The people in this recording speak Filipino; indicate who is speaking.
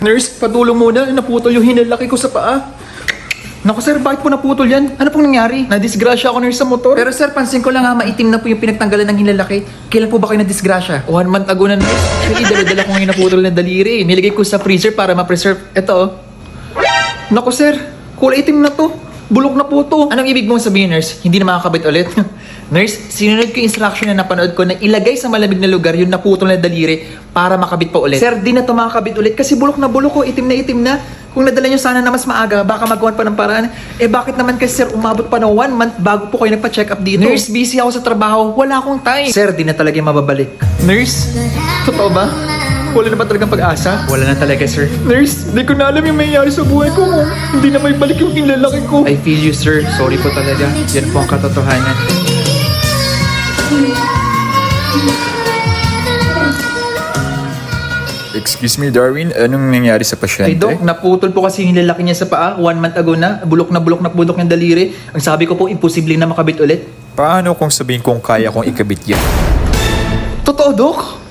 Speaker 1: Nurse, patulong muna. Naputol yung hinalaki ko sa paa. Naku sir, bakit po naputol yan? Ano pong nangyari? Nadisgrasya ako nurse sa motor. Pero sir, pansin ko lang ha, maitim na po yung pinagtanggalan ng hinlalaki. Kailan po ba kayo nadisgrasya? 1 month ago na nurse. Actually, dala-dala ko ngayon naputol na daliri. Nilagay ko sa freezer para ma-preserve. Ito oh. Naku sir, kulay itim na to. Bulok na po to. Anong ibig mong sabihin nurse? Hindi na makakabit ulit? Nurse, sinunod ko yung instruction na napanood ko na ilagay sa malamig na lugar yung naputol na daliri para makabit pa ulit. Sir, di na to makakabit ulit kasi bulok na bulok ko, itim na itim na. Kung nadala nyo sana na mas maaga, baka magawan pa ng paraan. Eh bakit naman kasi sir, umabot pa ng 1 month bago po kayo nagpa-check up dito? Nurse, busy ako sa trabaho, wala akong time. Sir, di na talaga yung mababalik. Nurse, totoo ba? Wala na ba talagang pag-asa? Wala na talaga, sir. Nurse, di ko na alam yung mayayari sa buhay ko. Hindi na may balik yung kinlalaki ko. I feel you, sir. Sorry po talaga. Yan po ang katotohanan.
Speaker 2: Excuse me, Darwin, anong nangyari sa pasyente?
Speaker 1: Ay, Dok, naputol po kasi yung lalaki niya sa paa. 1 month ago na. Bulok na bulok yung daliri. Ang sabi ko po, imposible na makabit ulit.
Speaker 2: Paano kung sabihin kong kaya kong ikabit yan?
Speaker 1: Totoo, Dok?